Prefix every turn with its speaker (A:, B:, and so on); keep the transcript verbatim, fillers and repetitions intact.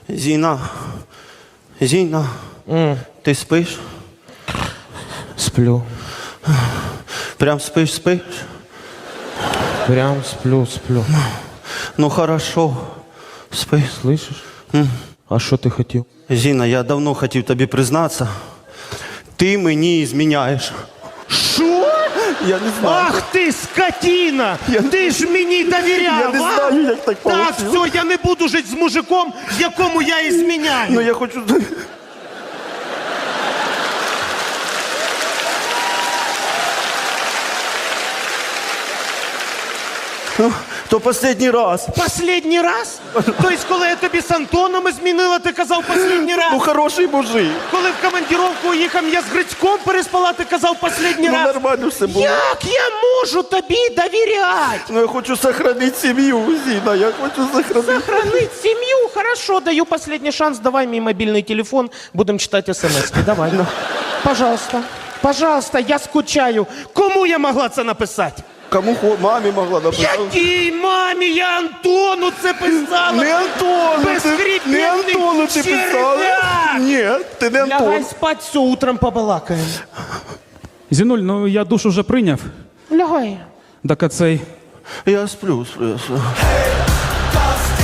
A: Зіна, Зіна,
B: Mm.
A: ти спиш?
B: Сплю.
A: Прям спиш, спиш?
B: Прям сплю, сплю.
A: Ну хорошо, спиш.
B: Слышишь? А що ти хотів?
A: Зіна, я давно хотів тобі признатися. Ти мені зміняєш.
B: Що?
A: Я не знаю.
B: Ах ти, скотина! Ти ж мені довіряв,
A: Я не
B: а?
A: знаю, як так
B: Так,
A: получилось.
B: все, я не буду жити з мужиком, якому я і зміняю.
A: Ну я хочу... Ну, то останній раз.
B: Последній раз? Тобто, коли я тобі з Антоном змінила, ти казав последній раз?
A: Ну хороший мужик.
B: Коли в командировку їхав, я з Грицьком переспала, ти казав последній
A: Ну
B: раз?
A: нормально все було.
B: Як я можу тобі довіряти?
A: Ну я хочу сохранити сім'ю, Зіна, я хочу сохранити.
B: Сохранить семью? Хорошо, даю последний шанс. Давай мне мобильный телефон, будем читать смс. Давай. Пожалуйста. Пожалуйста, я скучаю. Кому я могла це написати?
A: Кому хо... мамі могла написати?
B: Якій мамі? Я Антону це писала.
A: Не Антону, ти,
B: Безхребетний
A: не Антону ти писала.
B: черв'як.
A: Ні, ти не Антон.
B: Лягай спать, все, утром побалакаємо.
C: Зінуль, ну я душ уже прийняв.
B: Лягай.
C: Так а цей.
A: Я сплю, сплю, сплю.